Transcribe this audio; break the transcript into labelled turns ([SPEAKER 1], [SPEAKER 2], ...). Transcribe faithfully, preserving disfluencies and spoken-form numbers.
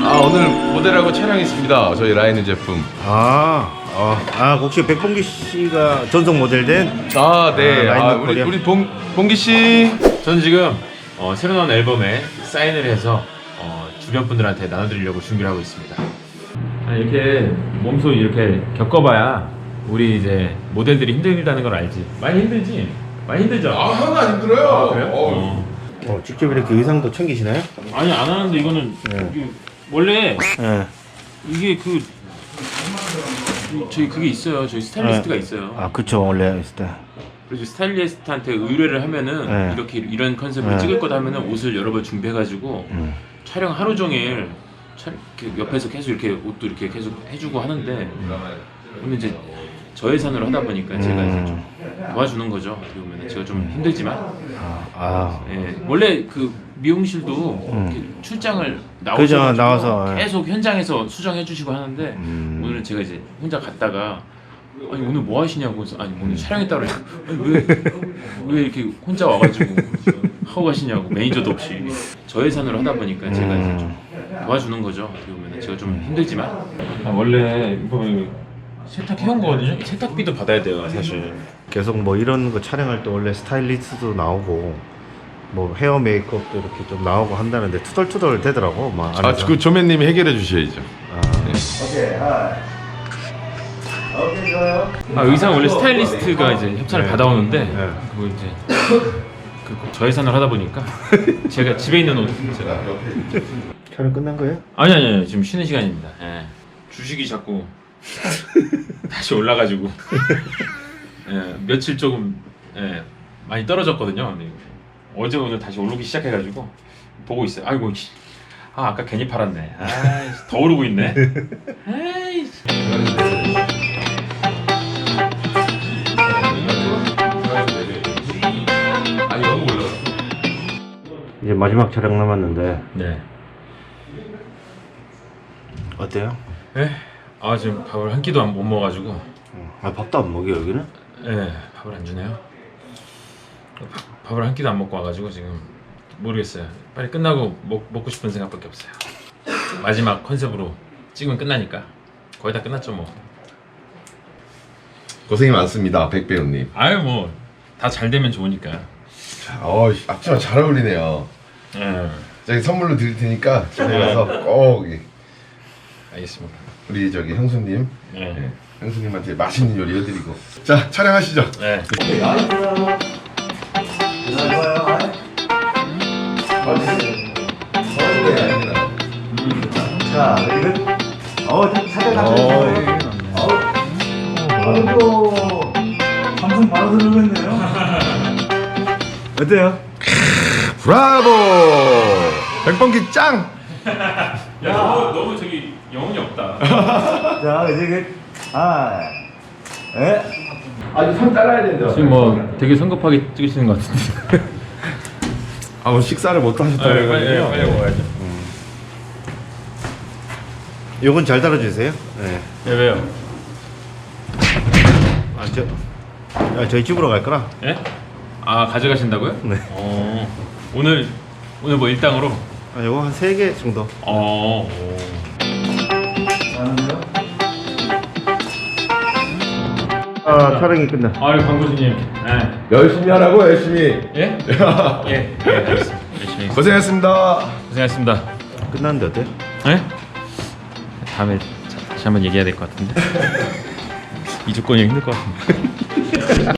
[SPEAKER 1] 아 오늘 모델하고 촬영했습니다. 저희 라이는 제품.
[SPEAKER 2] 아, 어, 아 혹시 백봉기 씨가 전속 모델된?
[SPEAKER 1] 아 네.
[SPEAKER 2] 아, 라인
[SPEAKER 1] 아,
[SPEAKER 2] 업
[SPEAKER 1] 우리
[SPEAKER 2] 코리아.
[SPEAKER 1] 우리 봉 봉기 씨.
[SPEAKER 3] 저는 지금 어, 새로 나온 앨범에 사인을 해서 어, 주변 분들한테 나눠드리려고 준비를 하고 있습니다. 아, 이렇게 몸소 이렇게 겪어봐야 우리 이제 모델들이 힘들다는 걸 알지. 많이 힘들지? 많이 힘들죠?
[SPEAKER 1] 아 하나도 안 힘들어요.
[SPEAKER 3] 아, 그래요?
[SPEAKER 1] 어.
[SPEAKER 3] 어.
[SPEAKER 2] 어, 직접 이렇게 의상도 챙기시나요?
[SPEAKER 3] 아니 안 하는데 이거는
[SPEAKER 2] 네.
[SPEAKER 3] 이게 원래
[SPEAKER 2] 예.
[SPEAKER 3] 이게 그 저희 그게 있어요. 저희 스타일리스트가 있어요.
[SPEAKER 2] 아, 그쵸, 원래 있을 때.
[SPEAKER 3] 그래서 스타일리스트한테 의뢰를 하면은
[SPEAKER 2] 네.
[SPEAKER 3] 이렇게 이런 컨셉으로
[SPEAKER 2] 네.
[SPEAKER 3] 찍을 거다 하면은 옷을 여러 벌 준비해가지고
[SPEAKER 2] 음.
[SPEAKER 3] 촬영 하루 종일 촬, 이렇게 옆에서 계속 이렇게 옷도 이렇게 계속 해주고 하는데 오늘 이제 저 예산으로 하다 보니까 제가 이제 좀 도와주는 거죠. 어떻게 보면 제가 좀 힘들지만
[SPEAKER 2] 아,
[SPEAKER 3] 예, 원래 그 미용실도 이렇게 출장을
[SPEAKER 2] 그죠,
[SPEAKER 3] 나오셔서
[SPEAKER 2] 나와서, 예.
[SPEAKER 3] 계속 현장에서 수정해 주시고 하는데
[SPEAKER 2] 음.
[SPEAKER 3] 오늘 제가 이제 혼자 갔다가 아니 오늘 뭐 하시냐고 해서 아니 오늘 촬영했다 그래. 아니 왜, 왜 이렇게 혼자 와가지고 하고 가시냐고 매니저도 없이 저 예산으로 하다 보니까 제가 이제 좀 도와주는 거죠. 어떻게 보면 제가 좀 힘들지만 아, 원래 뭐 세탁해온 거거든요. 세탁비도 받아야 돼요 사실.
[SPEAKER 2] 계속 뭐 이런 거 촬영할 때 원래 스타일리스트도 나오고 뭐 헤어 메이크업도 이렇게 좀 나오고 한다는데 투덜투덜 되더라고. 막 안에서.
[SPEAKER 1] 아그 조매님이 해결해 주셔야죠.
[SPEAKER 3] 아 의상 원래 스타일리스트가 이제 협찬을
[SPEAKER 2] 네.
[SPEAKER 3] 받아오는데
[SPEAKER 2] 네.
[SPEAKER 3] 그거 이제 그 저예산을 하다 보니까 제가 집에 있는 옷 제가
[SPEAKER 2] 촬영 끝난 거예요?
[SPEAKER 3] 아니 아니 아니 지금 쉬는 시간입니다. 예. 주식이 자꾸 다시 올라가지고 예, 며칠 조금 예, 많이 떨어졌거든요. 근데 어제 오늘 다시 오르기 시작해가지고 보고 있어요. 아이고 씨. 아 아까 괜히 팔았네. 아이 더 오르고 있네. 아이
[SPEAKER 1] 아니 너무 올라.
[SPEAKER 2] 이제 마지막 촬영 남았는데
[SPEAKER 3] 네.
[SPEAKER 2] 어때요?
[SPEAKER 3] 예? 아 지금 밥을 한 끼도 안 못 먹어가지고
[SPEAKER 2] 아, 밥도 안 먹여 여기는?
[SPEAKER 3] 예 밥을 안 주네요. 밥, 밥을 한 끼도 안 먹고 와가지고 지금 모르겠어요. 빨리 끝나고 먹, 먹고 싶은 생각밖에 없어요. 마지막 컨셉으로 찍으면 끝나니까 거의 다 끝났죠 뭐.
[SPEAKER 1] 고생이 많습니다, 백 배우님.
[SPEAKER 3] 아유 뭐 다 잘 되면 좋으니까.
[SPEAKER 1] 자, 어 앞치마 잘 어울리네요.
[SPEAKER 3] 예
[SPEAKER 1] 저기 선물로 드릴 테니까 집에 가서 꼭 이-
[SPEAKER 3] 알겠습니다.
[SPEAKER 1] 우리 저기 형수님,
[SPEAKER 3] 예.
[SPEAKER 1] 네, 형수님한테 맛있는 요리 해드리고. 자 촬영하시죠.
[SPEAKER 3] 네.
[SPEAKER 2] 자, 이거 어, 사진 아이고, 방송 바로 들어오겠네요. 어때요?
[SPEAKER 1] 브라보! 백번기 짱!
[SPEAKER 3] 야 너무 너무 저기 영혼이 없다.
[SPEAKER 2] 자, 이제 그, 아, 예?
[SPEAKER 1] 아니 손 잘라야 된다.
[SPEAKER 3] 지금 뭐 되게 성급하게 찍으시는 것 같은데.
[SPEAKER 1] 아 오늘 식사를 못 하셨다
[SPEAKER 3] 빨리
[SPEAKER 1] 그래가지고요.
[SPEAKER 3] 빨리 먹어야죠.
[SPEAKER 2] 요건 잘 달아주세요. 네.
[SPEAKER 3] 예 왜요?
[SPEAKER 2] 아, 저, 아, 저희 집으로 갈 거라.
[SPEAKER 3] 예? 아 가져가신다고요?
[SPEAKER 2] 네.
[SPEAKER 3] 어 오늘 오늘 뭐 일당으로?
[SPEAKER 2] 아, 요거 한 세 개 정도.
[SPEAKER 3] 어.
[SPEAKER 2] 아, 촬영이 끝나.
[SPEAKER 3] 아유 광고주님. 예.
[SPEAKER 1] 열심히 하라고 열심히.
[SPEAKER 3] 예? 예. 예. 알겠습니다. 열심히 하겠습니다.
[SPEAKER 1] 고생했습니다.
[SPEAKER 3] 고생하셨습니다.
[SPEAKER 2] 끝났는데 어때?
[SPEAKER 3] 예? 다음에 자- 다시 한번 얘기해야 될 것 같은데. 이주권이 힘들 것 같은데.